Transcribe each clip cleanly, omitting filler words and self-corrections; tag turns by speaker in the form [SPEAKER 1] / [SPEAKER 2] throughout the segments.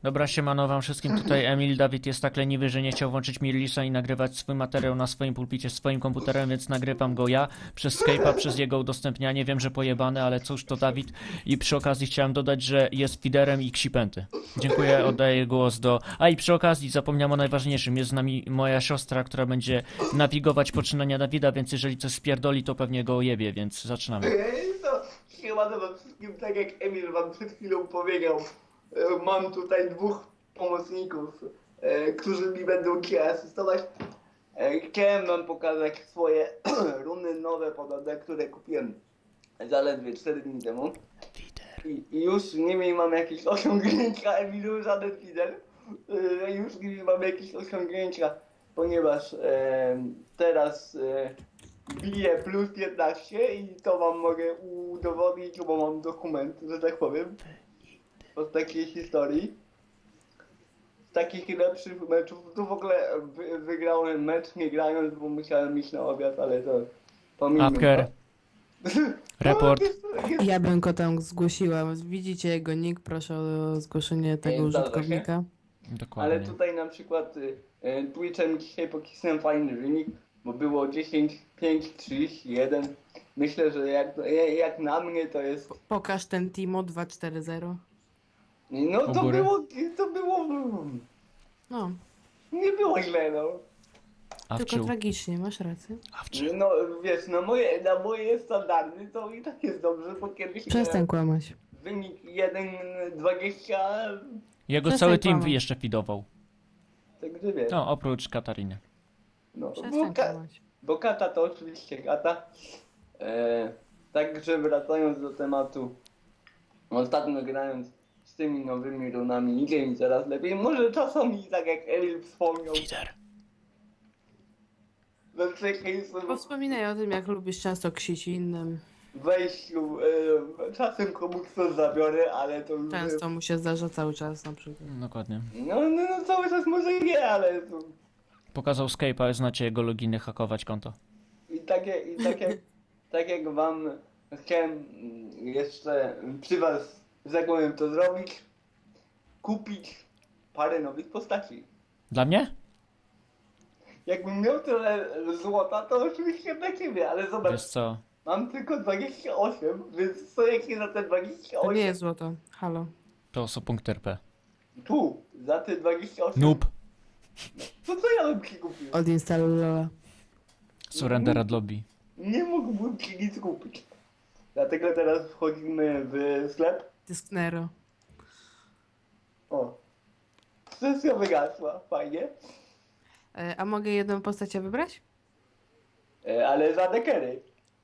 [SPEAKER 1] Dobra, siemano wam wszystkim, tutaj Emil. Dawid jest tak leniwy, że nie chciał włączyć Mirlisa i nagrywać swój materiał na swoim pulpicie swoim komputerem, więc nagrywam go ja przez Skype'a, przez jego udostępnianie. Wiem, że pojebane, ale cóż, to Dawid. I przy okazji chciałem dodać, że jest fiderem i ksipęty. Dziękuję, oddaję głos do... A i przy okazji zapomniałem o najważniejszym. Jest z nami moja siostra, która będzie nawigować poczynania Dawida, więc jeżeli coś spierdoli, to pewnie go ojebie, więc zaczynamy.
[SPEAKER 2] To siemano wam wszystkim, tak jak Emil wam przed chwilą powiedział, mam tutaj dwóch pomocników, którzy mi będą dzisiaj asystować. Chciałem wam pokazać swoje runy nowe podobne, które kupiłem zaledwie 4 dni temu. I już nimi mam jakieś osiągnięcia, Emilu, żaden fider. Już nimi mam jakieś osiągnięcia, ponieważ teraz biję plus 15 i to wam mogę udowodnić, bo mam dokument, że tak powiem, od takiej historii. Z takich lepszych meczów, to w ogóle wygrałem mecz nie grając, bo musiałem iść na obiad, ale to pomimo.
[SPEAKER 1] Apker. Report.
[SPEAKER 3] Ja bym go tam zgłosiła. Widzicie jego nick, proszę o zgłoszenie tego
[SPEAKER 2] Zgadza się.
[SPEAKER 3] użytkownika.
[SPEAKER 1] Dokładnie.
[SPEAKER 2] Ale tutaj na przykład Twitchem dzisiaj pokisnąłem fajny wynik, bo było 10, 5, 31. Myślę, że jak na mnie to jest...
[SPEAKER 3] Pokaż ten Timo 240.
[SPEAKER 2] No
[SPEAKER 1] U
[SPEAKER 2] to
[SPEAKER 1] góry.
[SPEAKER 2] było...
[SPEAKER 3] No,
[SPEAKER 2] Nie było źle, no.
[SPEAKER 3] tylko
[SPEAKER 1] Awciu.
[SPEAKER 3] tragicznie, masz rację.
[SPEAKER 1] Awciu.
[SPEAKER 2] No wiesz, na moje standardy to i tak jest dobrze, bo kiedyś
[SPEAKER 3] Przestań kłamać.
[SPEAKER 2] wynik 1,20,
[SPEAKER 1] Jego
[SPEAKER 3] Przestań
[SPEAKER 1] cały team
[SPEAKER 3] kłamać.
[SPEAKER 1] jeszcze fidował.
[SPEAKER 2] także wiesz.
[SPEAKER 1] No, oprócz Katariny.
[SPEAKER 2] No,
[SPEAKER 3] Przestań kłamać.
[SPEAKER 2] bo kata to oczywiście kata. Także wracając do tematu, ostatnio grając z tymi nowymi runami idzie mi coraz lepiej. Może czasami, tak jak Emil wspomniał,
[SPEAKER 1] Fider.
[SPEAKER 2] we przeciwieństwie
[SPEAKER 3] Bo wspominaj o tym, jak lubisz często ksić innym.
[SPEAKER 2] wejściu, czasem komuś coś zabiorę, ale to już...
[SPEAKER 3] Często mu się zdarza cały czas na przykład.
[SPEAKER 1] Dokładnie.
[SPEAKER 2] No cały czas może nie, ale to...
[SPEAKER 1] Pokazał Skype'a, znacie jego loginy, hakować konto.
[SPEAKER 2] Tak jak wam chciałem jeszcze przy was, że tak powiem, to zrobić, kupić parę nowych postaci.
[SPEAKER 1] Dla mnie?
[SPEAKER 2] Jakbym miał tyle złota, to oczywiście dla ciebie, ale zobacz,
[SPEAKER 1] Wiesz co?
[SPEAKER 2] mam tylko 28, więc co jak nie za te
[SPEAKER 3] To
[SPEAKER 2] 28?
[SPEAKER 3] nie jest złoto. Halo.
[SPEAKER 1] To są punkt RP.
[SPEAKER 2] Tu, za te 28.
[SPEAKER 1] Noob.
[SPEAKER 2] To co ja bym ci kupił?
[SPEAKER 3] Odinstaluj Lola.
[SPEAKER 1] Surrender ad lobby.
[SPEAKER 2] Nie mógłbym ci nic kupić. Dlatego teraz wchodzimy w sklep.
[SPEAKER 3] Dysknero.
[SPEAKER 2] O. Sesja wygasła, fajnie.
[SPEAKER 3] A mogę jedną postać wybrać?
[SPEAKER 2] Ale za dekery.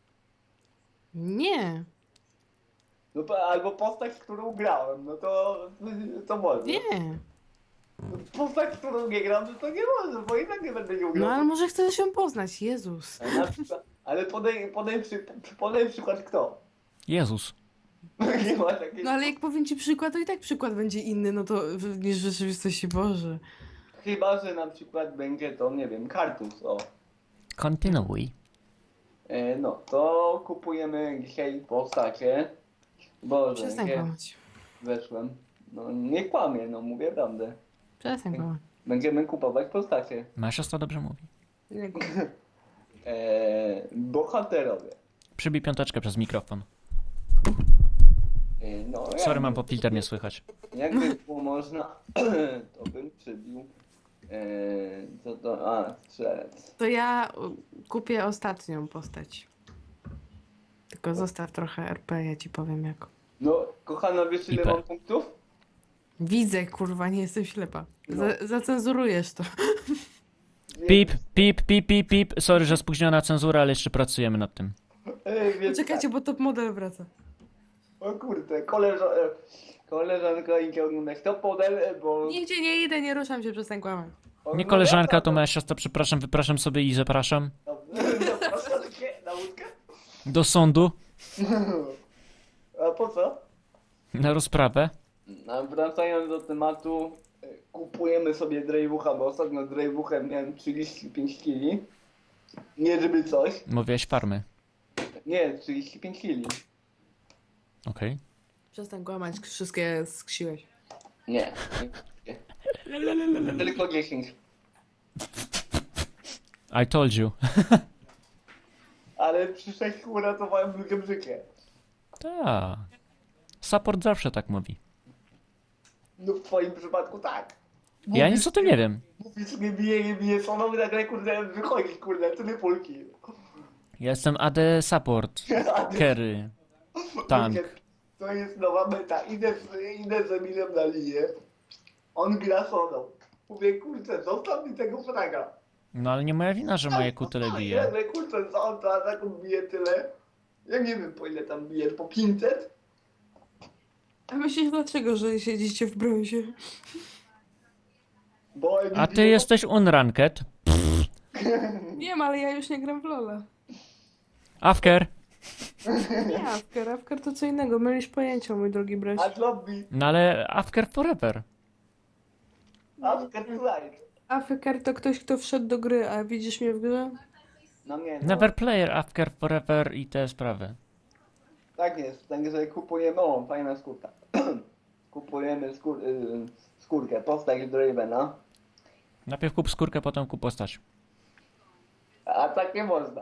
[SPEAKER 3] Nie.
[SPEAKER 2] No to albo postać, którą grałem, no to może.
[SPEAKER 3] Nie.
[SPEAKER 2] Postać, którą nie gram, no to nie może, bo i tak nie będę ją grał.
[SPEAKER 3] No ale może chcesz ją poznać, Jezus.
[SPEAKER 2] Na przykład, ale podaj przykład kto?
[SPEAKER 1] Jezus.
[SPEAKER 2] Nie ma takiej...
[SPEAKER 3] No ale jak powiem ci przykład, to i tak przykład będzie inny, no to niż w rzeczywistości, Boże.
[SPEAKER 2] Chyba, że na przykład będzie to, nie wiem, Kartus, o.
[SPEAKER 1] Kontynuuj.
[SPEAKER 2] No, to kupujemy dzisiaj postacie. Boże,
[SPEAKER 3] Przestań
[SPEAKER 2] nie
[SPEAKER 3] kłamać.
[SPEAKER 2] weszłem. No nie kłamię, no mówię prawdę.
[SPEAKER 3] Przestań kłamać.
[SPEAKER 2] Będziemy kupować postacie.
[SPEAKER 1] Moja siostra dobrze mówi.
[SPEAKER 3] Nie kłam.
[SPEAKER 2] Bohaterowie.
[SPEAKER 1] Przybij piąteczkę przez mikrofon.
[SPEAKER 2] No,
[SPEAKER 1] Sorry, mam popfilter, nie słychać.
[SPEAKER 2] Jakby było można, to bym przybił. Co to? A, strzelec.
[SPEAKER 3] To ja kupię ostatnią postać. Tylko zostaw trochę RP, ja ci powiem jak.
[SPEAKER 2] No, kochana, wiesz ile
[SPEAKER 1] IP.
[SPEAKER 2] mam punktów?
[SPEAKER 3] Widzę, kurwa, nie jestem ślepa.
[SPEAKER 2] No.
[SPEAKER 3] Zacenzurujesz to.
[SPEAKER 1] Pip, pip, pip, pip, pip. Sorry, że spóźniona cenzura, ale jeszcze pracujemy nad tym.
[SPEAKER 2] Więc
[SPEAKER 3] Czekajcie, bo top model wraca.
[SPEAKER 2] tak. O kurde, koleżanka idzie oglądać to model, bo...
[SPEAKER 3] Nigdzie nie idę, nie ruszam się, przestań kłamać.
[SPEAKER 1] Nie koleżanka, to moja siostra, przepraszam, wypraszam sobie i zapraszam.
[SPEAKER 2] Zapraszam cię na łódkę?
[SPEAKER 1] Do sądu.
[SPEAKER 2] A po co?
[SPEAKER 1] Na rozprawę.
[SPEAKER 2] A wracając do tematu, kupujemy sobie Drejwucha, bo ostatnio z Drejwuchem miałem 35 kg. Nie żeby coś.
[SPEAKER 1] Mówiłeś farmy.
[SPEAKER 2] Nie, 35 kg.
[SPEAKER 1] Okej.
[SPEAKER 3] Przestań kłamać, wszystkie skrzyłeś.
[SPEAKER 2] Nie. Tylko 10.
[SPEAKER 1] I told you.
[SPEAKER 2] Ale przy 6 uratowałem ludziom życie.
[SPEAKER 1] Tak. Support zawsze tak mówi.
[SPEAKER 2] No w twoim przypadku tak.
[SPEAKER 1] Ja nic o tym nie wiem.
[SPEAKER 2] Mówisz, nie bije, soną i nagle kurde wychodzi, kurde, tyle pulki.
[SPEAKER 1] Ja jestem AD Support. Carry. Tank.
[SPEAKER 2] To jest nowa meta. Idę z Emilem na linię. On gra soną. Mówię, kurczę, zostaw mi tego fraga.
[SPEAKER 1] No ale nie moja wina, że moje Q tyle bije.
[SPEAKER 2] Ale kurczę, za on to ataku bije tyle. Ja nie wiem po ile tam bije, po 500?
[SPEAKER 3] A myślisz dlaczego, że siedzicie w brązie?
[SPEAKER 2] Bo
[SPEAKER 1] A ty jesteś unranked.
[SPEAKER 3] Wiem, ale ja już nie gram w Lola.
[SPEAKER 1] Afker.
[SPEAKER 3] Nie, Afker to co innego. Mylisz pojęcia, mój drogi bracie.
[SPEAKER 2] A lobby,
[SPEAKER 1] No ale Afker forever.
[SPEAKER 2] after tonight.
[SPEAKER 3] Afker to ktoś, kto wszedł do gry, a widzisz mnie w grze?
[SPEAKER 2] No nie, no.
[SPEAKER 1] Never player, Afker forever i te sprawy.
[SPEAKER 2] Tak jest, także kupujemy, o, fajna skórka. Kupujemy skórkę, postać Dravena.
[SPEAKER 1] Najpierw kup skórkę, potem kup postać.
[SPEAKER 2] A tak nie można.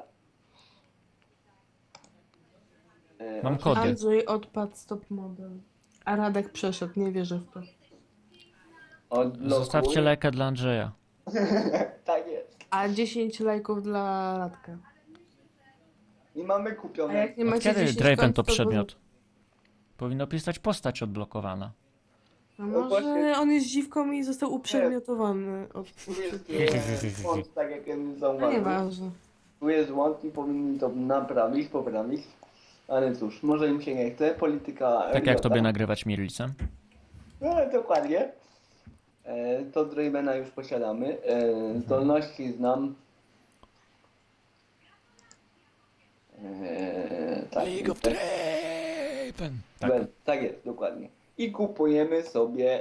[SPEAKER 1] Mam kody.
[SPEAKER 3] Andrzej odpadł stop model. A Radek przeszedł, nie wierzę w to.
[SPEAKER 2] Odblokuj.
[SPEAKER 1] Zostawcie lajka dla Andrzeja.
[SPEAKER 2] Tak jest.
[SPEAKER 3] A 10 lajków dla Radka.
[SPEAKER 2] I mamy
[SPEAKER 3] A
[SPEAKER 2] kupione.
[SPEAKER 3] jak nie
[SPEAKER 1] Od
[SPEAKER 3] macie
[SPEAKER 1] kiedy
[SPEAKER 3] 10
[SPEAKER 1] Draven
[SPEAKER 3] kont,
[SPEAKER 1] to przedmiot? Powinno pisać postać odblokowana.
[SPEAKER 3] No
[SPEAKER 2] No
[SPEAKER 3] może
[SPEAKER 2] właśnie-
[SPEAKER 3] on jest dziwką i został uprzedmiotowany.
[SPEAKER 2] Tu jest błąd, tak jak Emil
[SPEAKER 3] No
[SPEAKER 2] zauważył.
[SPEAKER 3] nieważne.
[SPEAKER 2] Tu jest błąd i powinni to naprawić, poprawić. Ale cóż, może im się nie chce. Polityka...
[SPEAKER 1] Tak jak
[SPEAKER 2] Riota.
[SPEAKER 1] tobie nagrywać Mirlicem.
[SPEAKER 2] No, dokładnie. To Dravena już posiadamy. Zdolności znam. Tak,
[SPEAKER 1] League of Draven. Tak.
[SPEAKER 2] tak jest, dokładnie. I kupujemy sobie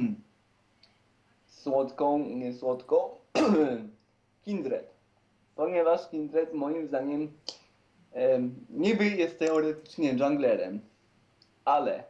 [SPEAKER 2] nie słodką, Kindred. Ponieważ Kindred moim zdaniem niby jest teoretycznie junglerem, ale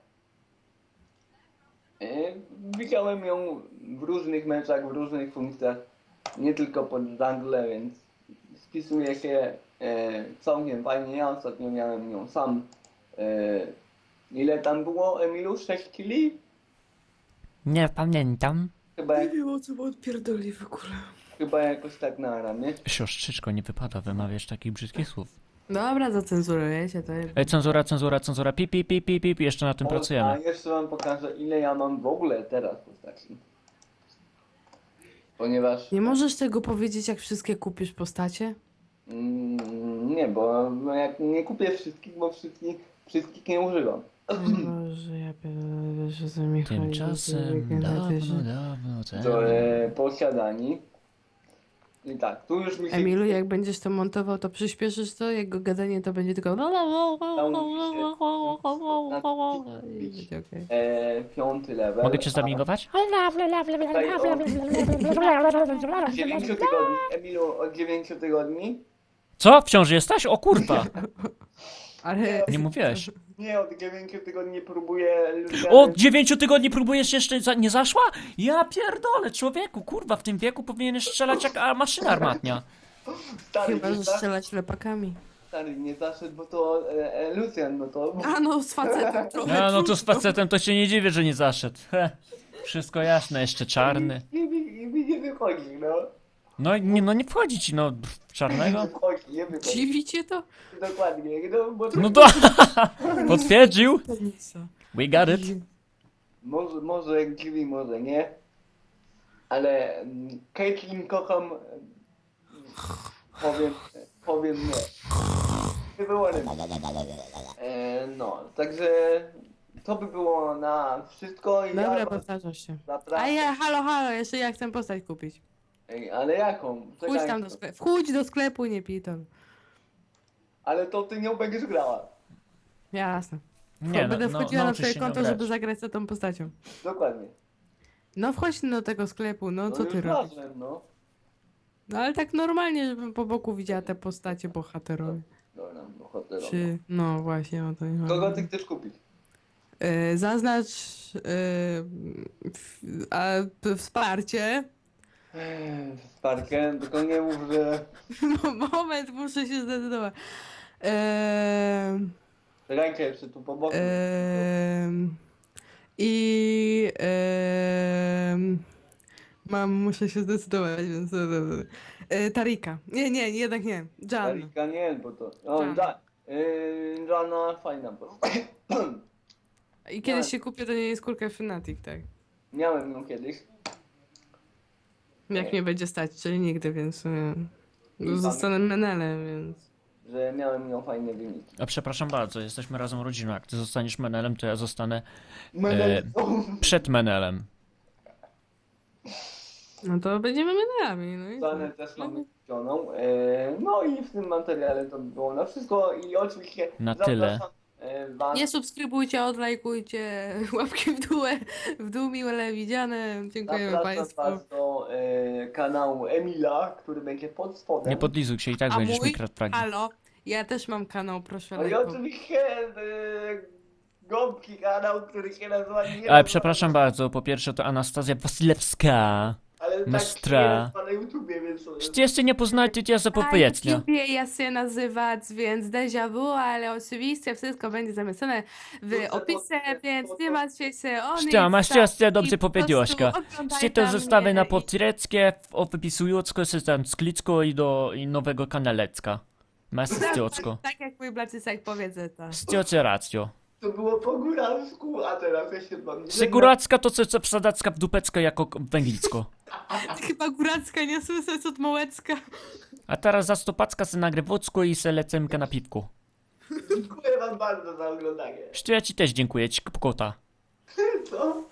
[SPEAKER 2] widziałem ją w różnych meczach, w różnych funkcjach, nie tylko pod jungle, więc spisuje się całkiem fajnie. Ja ostatnio miałem ją sam. Ile tam było, Emilu? 6 kili?
[SPEAKER 1] Nie pamiętam.
[SPEAKER 2] Chyba,
[SPEAKER 3] Nie wiem o co odpierdoli w ogóle.
[SPEAKER 2] chyba jakoś tak na ramię.
[SPEAKER 1] Siostrzyczko, nie wypada wymawiać takich brzydkich słów.
[SPEAKER 3] Dobra, zacenzurujecie to.
[SPEAKER 1] Ej, cenzura, pip, pip, pip, pip, pip, jeszcze nad tym
[SPEAKER 2] A
[SPEAKER 1] pracujemy.
[SPEAKER 2] jeszcze wam pokażę, ile ja mam w ogóle teraz postaci. Ponieważ...
[SPEAKER 3] Nie możesz tego powiedzieć, jak wszystkie kupisz postacie?
[SPEAKER 2] Nie, bo jak nie kupię wszystkich, bo wszystkich nie używam.
[SPEAKER 3] Boże, ja pierdolę, wiesz o co mi chodzi.
[SPEAKER 1] Tymczasem dawno
[SPEAKER 2] To
[SPEAKER 1] temu.
[SPEAKER 2] posiadani. I tak, tu już mi się...
[SPEAKER 3] Emilu, jak będziesz to montował, to przyspieszysz to? Jego gadanie to będzie tylko... I będzie okej.
[SPEAKER 2] 5 level.
[SPEAKER 1] Mogę cię zabigować?
[SPEAKER 2] Tutaj od 9 tygodni, Emilu, od 9 tygodni.
[SPEAKER 1] Co? Wciąż jesteś? O kurwa!
[SPEAKER 3] Ale...
[SPEAKER 1] Nie mówiłeś.
[SPEAKER 2] Nie, od 9 tygodni próbuję...
[SPEAKER 1] Od 9 tygodni próbujesz jeszcze nie zaszła? Ja pierdolę, człowieku, kurwa, w tym wieku powinieneś strzelać jak maszyna armatnia.
[SPEAKER 2] Stary,
[SPEAKER 3] Chyba,
[SPEAKER 2] nie
[SPEAKER 3] że
[SPEAKER 2] zaszedł,
[SPEAKER 3] strzelać lepakami.
[SPEAKER 2] stary, nie zaszedł, bo to Lucian, no to...
[SPEAKER 3] A no, z facetem trochę.
[SPEAKER 1] No to z facetem to się nie dziwię, że nie zaszedł. Wszystko jasne, jeszcze czarny.
[SPEAKER 2] I mi nie wychodzi, no.
[SPEAKER 1] No nie wchodzi ci, no, w czarnego.
[SPEAKER 2] Nie wychodzi.
[SPEAKER 3] Dziwicie to?
[SPEAKER 2] Dokładnie, no bo
[SPEAKER 1] No to potwierdził. We got it.
[SPEAKER 2] może dziwi, może nie. Ale Caitlyn kocham. Powiem nie. Nie było no, także to by było na wszystko i
[SPEAKER 3] Dobra,
[SPEAKER 2] ja
[SPEAKER 3] powtarzasz się.
[SPEAKER 2] zapraszam.
[SPEAKER 3] A ja, halo, jeszcze ja chcę postać kupić.
[SPEAKER 2] Ej, ale jaką?
[SPEAKER 3] Wchódź
[SPEAKER 2] Czekaj,
[SPEAKER 3] tam do sklepu. Wchódź do sklepu, nie piton.
[SPEAKER 2] ale to ty nią będziesz grała.
[SPEAKER 3] Jasne.
[SPEAKER 1] Nie,
[SPEAKER 3] Będę wchodziła na
[SPEAKER 1] nauczysz
[SPEAKER 3] twoje
[SPEAKER 1] się
[SPEAKER 3] konto,
[SPEAKER 1] nią
[SPEAKER 3] żeby
[SPEAKER 1] grać.
[SPEAKER 3] zagrać za tą postacią.
[SPEAKER 2] Dokładnie.
[SPEAKER 3] No wchodź do tego sklepu, no co
[SPEAKER 2] już
[SPEAKER 3] ty robisz?
[SPEAKER 2] razem, no.
[SPEAKER 3] No ale tak normalnie, żebym po boku widziała te postacie bohaterowe.
[SPEAKER 2] Dobra, bohaterowa.
[SPEAKER 3] Czy... No właśnie o to mi chodzi.
[SPEAKER 2] Kogo ty chcesz kupić?
[SPEAKER 3] Zaznacz wsparcie.
[SPEAKER 2] Sparkę, tylko nie mów, że
[SPEAKER 3] Moment, muszę się zdecydować.
[SPEAKER 2] rękę jeszcze tu po boku.
[SPEAKER 3] I muszę się zdecydować, więc Tarika. Nie, jednak nie. Jan.
[SPEAKER 2] Erika nie, bo to... O,
[SPEAKER 3] Jan.
[SPEAKER 2] Jana fajna postać.
[SPEAKER 3] I kiedyś się kupię do niej skórkę Fnatic, tak.
[SPEAKER 2] Miałem ją kiedyś.
[SPEAKER 3] Jak mnie będzie stać, czyli nigdy, więc
[SPEAKER 2] I
[SPEAKER 3] zostanę menelem, więc...
[SPEAKER 2] Że miałem ją fajne wyniki.
[SPEAKER 1] A przepraszam bardzo, jesteśmy razem rodziną. Jak ty zostaniesz menelem, to ja zostanę przed menelem.
[SPEAKER 3] No to będziemy menelami, no i co?
[SPEAKER 2] Zanę też mamy kupioną. No i w tym materiale to by było na wszystko i oczywiście
[SPEAKER 1] Na tyle.
[SPEAKER 2] Was.
[SPEAKER 3] Nie subskrybujcie, odlajkujcie, łapki w dół miłe widziane. Dziękujemy
[SPEAKER 2] Zapraszam
[SPEAKER 3] Państwu.
[SPEAKER 2] Was do kanału Emila, który będzie pod spodem.
[SPEAKER 1] Nie podlizuj się i tak
[SPEAKER 3] A
[SPEAKER 1] będziesz
[SPEAKER 3] mój?
[SPEAKER 1] mi kradł fragi.
[SPEAKER 3] Halo, ja też mam kanał, proszę
[SPEAKER 2] No i
[SPEAKER 3] lajkować.
[SPEAKER 2] oczywiście gąbki kanał, który się nazywa nie
[SPEAKER 1] Ale przepraszam bardzo, po pierwsze to Anastazja Wasilewska.
[SPEAKER 2] ale
[SPEAKER 1] Mystra.
[SPEAKER 2] tak się nazywa na YouTubie, więc
[SPEAKER 1] Jeśli jeszcze nie poznajcie, to ja
[SPEAKER 3] Na
[SPEAKER 1] zapowiednia.
[SPEAKER 3] YouTubie ja się nazywać, więc déjà vu, ale oczywiście wszystko będzie zamieszczone w
[SPEAKER 2] Dobrze,
[SPEAKER 3] opisie,
[SPEAKER 2] dobrze,
[SPEAKER 3] więc
[SPEAKER 2] dobrze.
[SPEAKER 3] nie martwcie się o nic.
[SPEAKER 1] Sztia, masz
[SPEAKER 3] tak,
[SPEAKER 1] rację, dobrze
[SPEAKER 3] i po
[SPEAKER 1] powiedziałaś,
[SPEAKER 3] prostu
[SPEAKER 1] Ka.
[SPEAKER 3] oglądaj
[SPEAKER 1] Sztia to
[SPEAKER 3] tam
[SPEAKER 1] zostawię
[SPEAKER 3] mnie
[SPEAKER 1] na
[SPEAKER 3] i-
[SPEAKER 1] potreckie, opisującko się tam sklicko i nowego kanalecka. Masz stiocko.
[SPEAKER 3] Tak jak mój Blacysek powiedzę to.
[SPEAKER 1] Stiocie racjo.
[SPEAKER 2] to było po góralsku, a teraz ja się wam nie
[SPEAKER 1] Seguracka to co wsadacka w dupecko jako węglicko.
[SPEAKER 3] Chyba góracka, nie słyszę, co małecka.
[SPEAKER 1] A teraz za stopacka se nagrywocko i se lecemkę na piwku.
[SPEAKER 2] Dziękuję wam bardzo za oglądanie.
[SPEAKER 1] Sztia, ja ci też dziękuję, ci kota.
[SPEAKER 2] Co?